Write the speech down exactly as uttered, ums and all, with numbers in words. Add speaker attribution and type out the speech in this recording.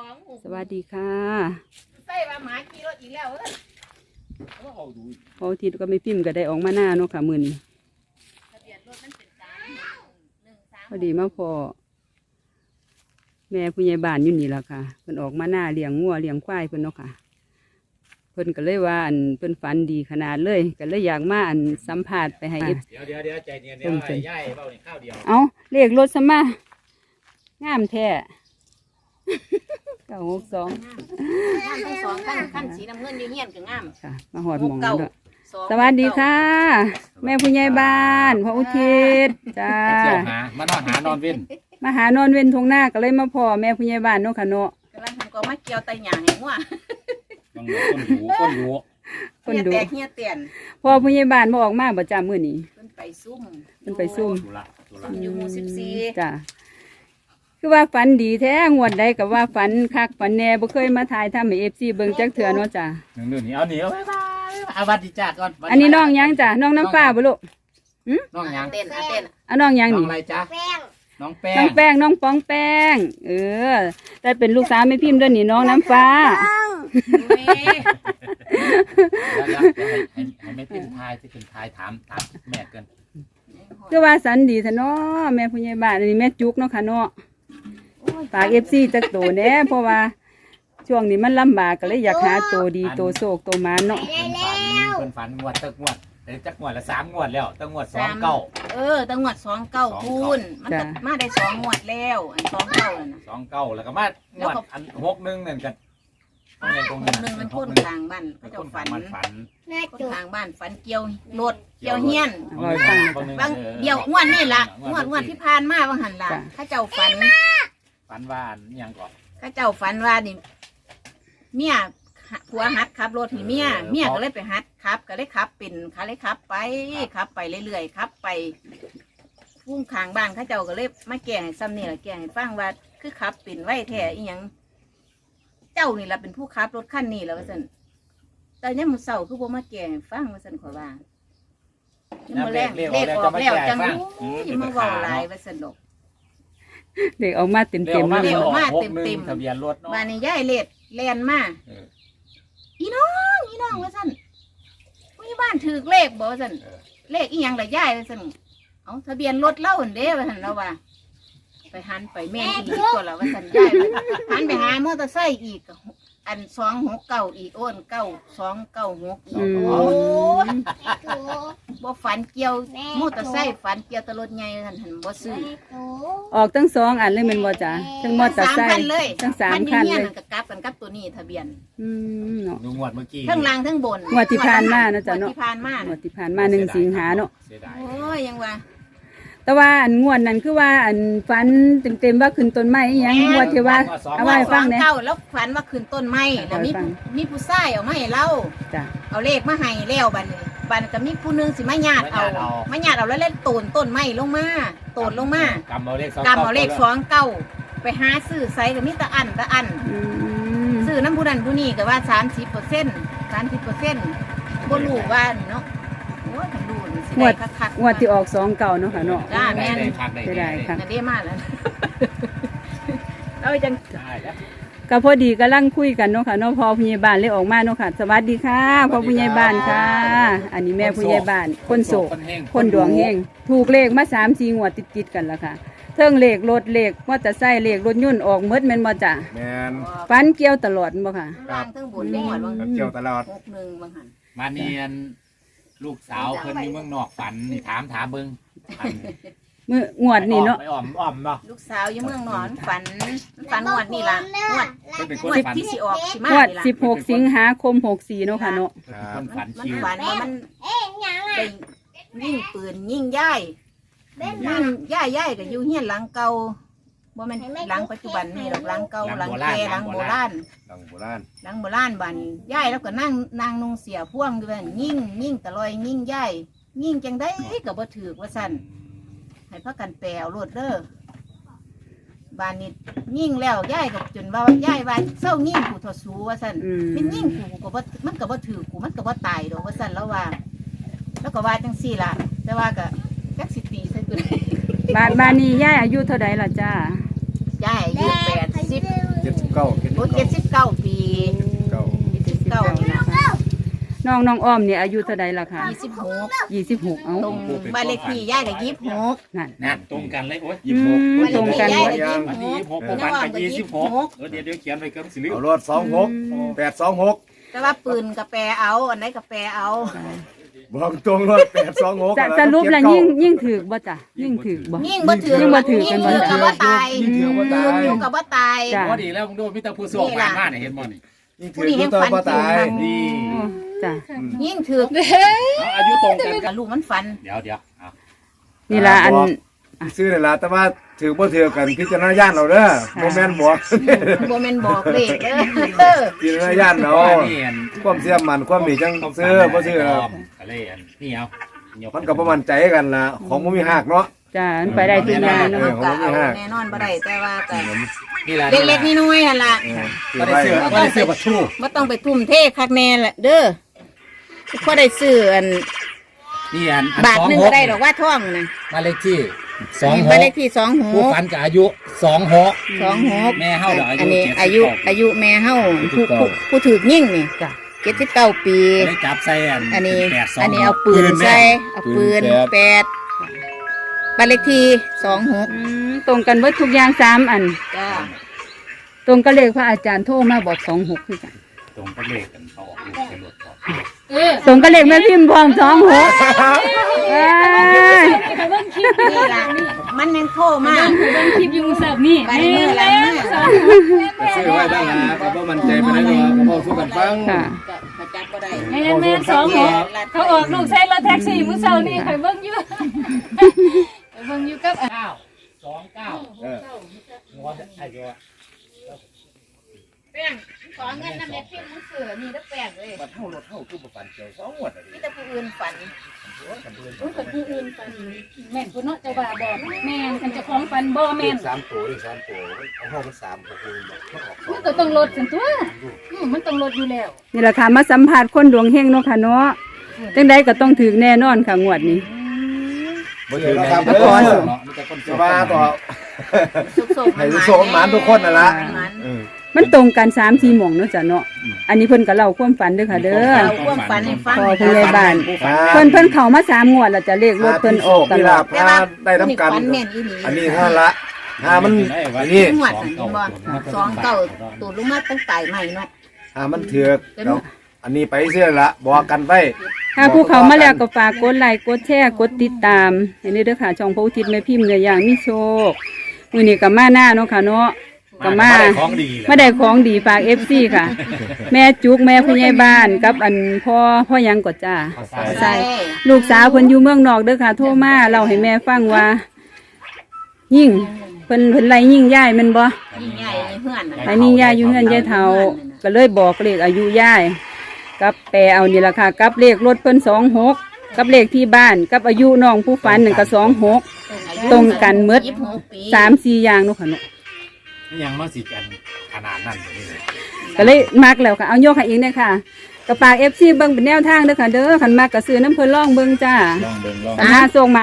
Speaker 1: สวัสดีค่ะ
Speaker 2: ใส่ว่าหมาขี่รถอีกแล้วเอ้ย
Speaker 1: พอทิศก็ไม่พิมพ์ก็ได้ออกมาหน้าเนาะค่ะมือนี้พอดีมาพอแม่ผู้ใหญ่บ้านอยู่นี่แหละค่ะเพิ่นออกมาหน้าเลี้ยงงัวเลี้ยงควายเพิ่นเนาะค่ะเพิ่นก็เลยว่าอันเพิ่นฝันดีขนาดเลยก็เลยอยากมาอันสัมภาษณ์ไปให้เอฟ
Speaker 3: เดี๋ยวเดี๋ยวเดี๋ยวใจเย็นเดี๋ยวไอ้ย่ายเบ้าเนี่ยข้าวเดียว
Speaker 1: เอาเลขรถซะมางามแท้เก้าหกสอง
Speaker 2: งามทั้งสองขั้นขั้นสีน้ำเงินเงี้ยนก็งาม
Speaker 1: ค่ะมาหอดหมองแล้วด้วยสวัสดีค่ะแม่ผู้ใหญ่บ้านพ่ออุทิศจ้า
Speaker 3: เที่ยวหามานอนหานอนเว้น
Speaker 1: มาหานอนเว้นทงหน้าก็เลยมาพ่อแม่ผู้ใหญ่บ้านเนาะค่ะเนาะ
Speaker 2: กำลังทำก็มาเกี่ยวไตหยาให้งัว
Speaker 3: ต้องคนดูคนดู
Speaker 1: คนดู
Speaker 2: เฮียแตกเฮียเตียน
Speaker 1: พ่อผู้ใหญ่บ้านมาออกมาประจำมื้อนี้
Speaker 2: เพิ่นไปซุ่ม
Speaker 1: เพิ่นไปซุ่ม
Speaker 2: อยู่หมู่สิบสี่
Speaker 1: จ้าคือว่าฝันดีแท้งวดใดก็ว่าฝันคักฝันแน่บ่เคยมาถ่ายทำให้ เอฟ ซี เบิ่งจักเทื่อเนาะจ้า
Speaker 3: หนึ่งๆนี่เอาหนีเอาบ๊ายบายอาวัดดีจ้าก่อน
Speaker 1: อันนี้น้องยังจ้าน้องน้ำฟ้าบ่ลูกหึ
Speaker 3: น้องยัง
Speaker 2: เต้นอ่ะเต้น
Speaker 1: อ่ะน้องยังนี่
Speaker 3: น้องอะไรจ้าน้องแป้ง
Speaker 1: น้องแป้งน้องป้องแป้งเออแต่เป็นลูกสาวแม่พิมพ์ด้วยนี่น้องน้ำฟ้า
Speaker 3: แล้วให้ให้ไม่เป็นทายที่เป็นทายถามถามแม่กัน
Speaker 1: ก็ว่าสันดีซะเนาะแม่ผู้ใหญ่บ้านอันนี้แม่จุกเนาะค่ะเนาะฝาก เอฟ ซี จักโตแน่เพราะว่าช่วงนี้มันลำบากก็เลยอยากหาโตดีโตโศกโตมาเนาะ
Speaker 3: เพิ่นฝันเพิ่นฝันงวดตึกงวดแต่จักงวดละสามงวดแล้วตั้งงวดสองเก้า
Speaker 2: เออตั้งงวดสองเก้าคูณมันมาได้สองงวดแล้วอันสองเก้าน่ะ
Speaker 3: สองเก้าแล้วก็มางวดอันหกหนึ่งนั่นกัน
Speaker 2: ตรงนึงมันพ่นทางบ้านเขาจะฝัน
Speaker 3: ฝัน
Speaker 2: ทางบ้านฝันเกี่ยวรถเกี่ยวเฮียนบางเดี่ยวงวดนี่ล่ะงวดงวดที่ผ่านมาบางหันล่ะข้าเจ้าฝัน
Speaker 3: ฝันว่าอย่างก่อน
Speaker 2: ข้าเจ้าฝันว่านี่เมียผัวหัดขับรถให้เมียเมียก็เลยไปหัดขับก็เลยขับเป็นขาเลยขับไปขับไปเรื่อยๆขับไปพุ่งขางบ้านข้าเจ้าก็เลยมาแก่ให้ซ้ำนี่แหละแก่ให้ฟังว่าคือขับเป็นไว้แท้อีหยังเจ้านี่แหละเป็นผู้ขับรถคันนี้แล้วว่าสันแต่เนี่ยมันเศร้าคือบ่มาแก่ให้ฟังว่าสันขอว่ายังมาแรงเลขออกแล้วจังยังมาเว้าหลายว่าสันดอก
Speaker 1: เด็กออกมาเต็มเต็ม
Speaker 2: เด็กออกมาเต็มเต็ม
Speaker 3: ทะเบียนรถเนาะ
Speaker 2: บ้านนี้ย่ายเล็ดแลนมาอีน้องอีน้องว่าสันผู้ใหญ่บ้านถือเลขบ่ว่าสันเลขอีหยังละย่ายว่าสันเอาทะเบียนรถเล่าอันเด้ว่าสันเราว่าไปหันไปแม่อีกตัวละว่าสันย่ายหันไปหามอเตอร์ไซค์อีกอันสองหกเก้าอีกโอนเก้าสองเก้าหกโอ้บ่ฝันเกี่ยวมอเตอร์ไซค์ฝันเกี่ยวตลดใหญ่ทันทันบ่ซื้อ
Speaker 1: ออกทั้งสองอันเลยมันบ่จ้ะทั้งมอเตอร์ไซค์ทั้งสามคันเลย
Speaker 2: กับกับกันกับตัวนี้ทะเบียน
Speaker 1: อืมเนาะ
Speaker 3: งวดเมื่อกี้
Speaker 2: ทั้งล่างทั้งบน
Speaker 1: งวดที่ผ่านมานะจ๊ะเนาะ
Speaker 2: ที่ผ่านมาง
Speaker 1: วดที่ผ่านมาหนึ่งสิงหาเนาะ
Speaker 2: โอ้ยยังว่า
Speaker 1: แต่ว่าอันงวดนั้นคือว่าอันฝันเต็มๆว่าขึ้นต้นไม้ยังงวดที่ว่าเอาไว้ฟังเนี่ย
Speaker 2: แล้วฝันว่าขึ้นต้นไม้แล้วมีมีผู้ชายเอามาให้เล่าเอาเลขมาให้แล้วบัดนี้บัดก็มีผู้นึงสิมาญาติเอามาญาติเอาแล้วเล่นโตนต้นไม้ลงมาโตนลงมาก
Speaker 3: ำเอาเลข
Speaker 2: กำเอาเลขสองเก้าไปหาซื้อไซก็มีตะอันตะอันซื้อน้ำผู้นั้นผู้นี้ก็ว่าสามสิบเปอร์เซ็นต์สามสิบเปอร์เซ็นต์บ่รู้ว่าเนาะ
Speaker 1: งวดงวดที่ออกสองเก่าเนาะค่ะเนาะ
Speaker 2: จ้าแม่
Speaker 1: จะได้ค่ะ
Speaker 2: จะได้มากแล้วเราจัง
Speaker 1: ก็พอดีกำลังคุยกันเนาะค่ะเนาะพอผู้ใหญ่บ้านเลยออกมาเนาะค่ะสวัสดีค่ะพอผู้ใหญ่บ้านค่ะอันนี้แม่ผู้ใหญ่บ้านคนโศกคนดวงเฮงถูกเลขมาสามสี่งวดติดๆกันแล้วค่ะเทิงเลขรถเลขมอเตอร์ไซค์เลขรถยนต์ออกเมดแม่นบ่จ้ะ
Speaker 3: แม่น
Speaker 1: ฟันเกี่ยวตลอดบ่ค่ะ
Speaker 2: ครับทั้งบนได้หมดบ่
Speaker 3: เกี่ยวตลอด
Speaker 2: หกหนึ่งบางหัน
Speaker 3: มาเนียนลูกสาวเพิ่นอยู่เมืองนอกฝันนี่ถามถามเบิ่ง
Speaker 1: มืองวดนี่เนาะ
Speaker 3: ไปอ้อมอ้อมเนาะ
Speaker 2: ลูกสาวอยู่เมืองนอนฝันฝันงวดนี่ล่ะงวดงวดที่สิออกสิมา
Speaker 1: งวดสิบหกสิงหาคมหกสี่เนาะค่ะเนาะ
Speaker 3: มันฝันคิว
Speaker 2: มันฝันว่ามันไปยิงปืนยิงย่ายยิงย่ายย่ายก็อยู่เฮียนหลังเก่าบ่แม่นหลังปัจจุบันนี่หรอกหลังเก่าหลังแก่หลังโบราณ
Speaker 3: หลังโบราณ
Speaker 2: หลังโบราณบ้านย่ายแล้วก็นั่งนางนุ่งเสียพ่วงด้วยยิ่งยิ่งตะลอยยิ่งย่ายยิ่งจังได้ก็บ่ถือว่าสั่นให้พักกันแปลวรถเด้อบ้านนี้ยิ่งแล้วย่ายกับจนว่าย่ายว่าเศร้ายิ่งกูทอสูว่าสั่นเป็นยิ่งกูกูก็บ่มันก็บ่ถือกูมันก็บ่ตายดอกว่าสั่นแล้วว่าแล้วก็ว่าจังซี่ล่ะแต่ว่าก็จักสิตีใส่กู
Speaker 1: บ้านบ้านนี้ย่ายอายุเท่าใดล่ะจ้า
Speaker 2: ย่ายอายุแปดสิบ
Speaker 3: เจ็ดสิบเก้า
Speaker 2: อ้เจ็ดสิบเก้าปี
Speaker 4: เก้า
Speaker 2: เจ็ดสิบเก้านี่ล่ะ
Speaker 1: น้องน้องอ้อมเนี่ยอายุเท่าใดล่ะคะ
Speaker 2: ยี่สิบหก
Speaker 1: ยี่สิบหกเอ้า
Speaker 2: ตรงบ้านเลขที่ย่ายกับยี่สิบหก
Speaker 1: นั่น
Speaker 3: นั่นตรงกันเลยโอ้ย
Speaker 4: ยี่สิบหก
Speaker 1: อืม ตรงกัน
Speaker 2: บ้านเลขที่ย่าย
Speaker 3: วัน
Speaker 2: กับ
Speaker 3: นี้
Speaker 2: ยี่
Speaker 3: ยี่
Speaker 2: สิ
Speaker 3: สิ
Speaker 2: บบ ห
Speaker 3: ห
Speaker 2: ก
Speaker 3: กพวกมันกับยี่สิบหก
Speaker 2: น้องอ้อมกับยี่สิบหก
Speaker 3: เออเดี๋ยวเดี๋ยวเขียนไปกับสิริ
Speaker 4: เอารถสองหกแปดสองหก
Speaker 2: แต่ว่าปืนกับแปรเอาอันไหนกับแปรเอา
Speaker 4: บอกตรงรถแปดสองหก
Speaker 1: จะสรุปแล้วยิ่งยิ่งถือบ่จ้ะยิ่งถือบ่
Speaker 2: ยิ่งบ่ถือ
Speaker 1: ยิ่งบ่ถือ
Speaker 2: ยิ่ง
Speaker 1: กันบ่
Speaker 2: ถือกับว่าตาย
Speaker 4: ยิ่งถือว่าตาย
Speaker 2: ยิ่งกับว่าตาย
Speaker 1: จ้ะ
Speaker 3: พอดีแล้วมึงดูมิตรผู้สวกผ่านมาเนี่ยเห็นบ่นี่
Speaker 4: ยิ่งถือตัวบ่ตาย
Speaker 3: นี่
Speaker 1: อ๋อจ้ะ
Speaker 2: ยิ่งถือ
Speaker 3: เอาอายุตรงกัน
Speaker 2: กับลูกมันฟัน
Speaker 3: เดี๋ยวเดี๋ยวเอา
Speaker 1: นี่ล่ะอัน
Speaker 4: ซื้อนี่ล่ะแต่ว่าถือบ่ถือกันพิจารณาญาณเอาเด้อบ่แม่นบอก
Speaker 2: บ่แม่นบอกเลขเด้อ
Speaker 4: พิจารณาญาณเอา
Speaker 3: นี่อัน
Speaker 4: ความเสียมันความมีจังซื้อบ่ซื้อแล้ว
Speaker 3: อะไรอันนี่เอาย
Speaker 4: มันก็บ่มั่นใจกันล่ะของบ่มีหักเนาะ
Speaker 1: จ้ะมันไปได้ทุกอย่างเนาะ
Speaker 2: มันก็เอาแน่นอนบ่ได้แต่ว่าก็
Speaker 3: นี่แหละ
Speaker 2: เล็กๆน้อยๆนั่นล่ะ
Speaker 3: ก็ได้เสื้อก็ได้เสื้อปัดชู
Speaker 2: บ่ต้องไปทุ่มเทคักแน่แหละเด้อพอได้ซื้ออัน
Speaker 3: นี่อัน
Speaker 2: บาทหนึงก็ได้ดอกว่าท่องน่ะ
Speaker 3: บ้านเลขที่สองห
Speaker 2: บ้าน
Speaker 3: ก
Speaker 2: เลขที่สองห
Speaker 3: ผู้
Speaker 2: ก
Speaker 3: ฝันกับอายุสองหก
Speaker 2: สองหก
Speaker 3: แม่เฮาเดี๋ยวอายุ
Speaker 2: อันนี้
Speaker 3: เจ็ดสิบ
Speaker 2: อายุ
Speaker 3: เก้า
Speaker 2: อายุแม่เฮาผู้
Speaker 3: เจ็ดสิบเก้า
Speaker 2: ผู้ผู้ถือยิ่งนี่
Speaker 1: จ้ะ
Speaker 2: เจ็ดสิบเก้าปี
Speaker 3: ได้จับใส่อัน
Speaker 2: อันนี้
Speaker 3: แปดสง
Speaker 2: อันนี้เอาปืนใส่เอาปืนแปดบ้านเลขที่สองหก
Speaker 1: อืมตรงกันเบิดทุกอย่างสามอัน
Speaker 2: จ้า
Speaker 1: ตรงกับเลขพระอาจารย์โทรมาบอกสองหกคือกัน
Speaker 3: ตรงกับเลขกันเขาออกลูกเป็นรถก่อน
Speaker 1: ตรงกับเลขแม่พิมพ์พร้อมสองหกเอ้ย
Speaker 2: นี่ล่ะมันแม่นโทรมา
Speaker 5: คลิปอยูเสิร์ฟนี่
Speaker 2: ไปเมื่อไรมา
Speaker 4: ซื้อไว้บ้างล่ะก็บ่มั่นใจปานใดดอกก็บ่สู้กันฟัง
Speaker 1: ค่ะ
Speaker 2: ก็จับบ่ได้
Speaker 5: แม่นแม่นสองหกเขาออกลูกใช้รถแท็กซี่มื้อเช้านี่ข่อยเบิ่งอยู่ข่อยเบิ่งอยู่กับ
Speaker 3: เก้าสองเก้า
Speaker 4: เออ
Speaker 3: หัวไอ้ตัว
Speaker 2: แป้งขอเงินนำแม่พิมพ์มือเสือนี่แล้วแป้งเลย
Speaker 4: บัดเฮารถเฮาคือบ่ฝันเกี่ยวสองงวดอะดิ
Speaker 2: มีแต่ผู้อื่นฝัน
Speaker 5: อุ้ยคนผู้อื่นฟันแม่นผู้เนาะเจ้าบ่าบอกแม่นคันเจะคล้าของฟันบ่แม่น
Speaker 4: สามตัวดิสามตัวเอาเฮามันสามก็คือบอกมันออกสอง
Speaker 5: มันก็ต้องลดสิตัวอืมมันต้องลดอยู่แล้ว
Speaker 1: นี่แหละค่ะมาสัมผัสคนดวงเฮงเนาะค่ะเนาะจังใดก็ต้องถือแน่นอนค่ะงวดนี้
Speaker 4: บ่ถือแล้วครับ
Speaker 1: แล้
Speaker 4: เด้
Speaker 1: วก่อน
Speaker 4: อ
Speaker 3: เนาะมันจะคน
Speaker 4: จะว่าต่อ
Speaker 2: สุกๆ
Speaker 4: ให้โชคหมานทุกคนน่ะล่ะ
Speaker 2: มัน
Speaker 4: เออ
Speaker 1: มันตรงกันสามสี่หม่องเนาะจ้ะเนาะอันนี้เพิ่นก็เล่าความฝันเด้อค่ะเด้อ
Speaker 2: เราความฝันให้ฟัง
Speaker 1: พอผู้ใหญ่บ้าน
Speaker 4: อ่า
Speaker 1: เพิ่นเพิ่นเข้ามาสามงวดแล้วจะเลขรถเพิ่นออกต
Speaker 4: มี
Speaker 1: ล
Speaker 4: ลา
Speaker 1: อด
Speaker 4: ภพาได้ทำกัน
Speaker 2: ฝันแม่นอีหลี
Speaker 4: อันนี้ห้าละห้ามันอันนี้
Speaker 2: หวดหันบ่สองเก้าตูดลงมาตั้งไต่ใหม่เนาะ
Speaker 4: ห้ามันเถือกแล้วอันนี้ไปเสียละบอกกันไว้
Speaker 1: ถ้าผู้เข้ามาแล้วก็ฝากกดไลค์กดแชร์กดติดตามให้นี่เด้อค่ะช่องพระอุทิศแม่พิมพ์เนื้อย่างมีโชคมื้อนี้ก็มาหน้าเนาะค่ะเนาะก็มา
Speaker 3: ของดี
Speaker 1: มาได้ของดีฝาก เอฟ ซี ค่ะ แม่จุกแม่ผู้ใหญ่บ้านกับอันพ่อพ่อยังกดจ้า ใช่ ลูกสาวเพิ่นอยู่เมืองนอกเด้อค่ะ โทรมาเล่าให้แม่ฟังว่า ยิ่งเพิ่นเพิ่นไล่ยิ่งย่ายแมันบ่
Speaker 2: ยิ่งใหญ่ในเฮือนน่ะ
Speaker 1: ไล่ยิ่งย่ายอยู่เฮือนยายเฒ่าก็เลยบอกเลขอายุย่ายกับแปลเอานี่ล่ะค่ะ กับเลขรถเพิ่นสองหกกับเลขที่บ้านกับอายุน้องผู้ฝันหนึ่งก็สองหกตรงกันหมด
Speaker 2: ยี่สิบหกปี
Speaker 1: สามสี่อย่างเนาะค่ะเนาะ
Speaker 3: ยังมาสิกันขนาดนั้นเลย
Speaker 1: ก็เลยมักแล้วค่ะเอาโยกให้เองเด้อค่ะกระปาก เอฟ ซี เบิ่งเป็นแนวทางเด้อค่ะเด้อคันมักก็ซื้อน้ำเพิ่นล่องเบิ่งจ้า
Speaker 3: ลองเบิ่งลอง
Speaker 1: คันหาส่งมา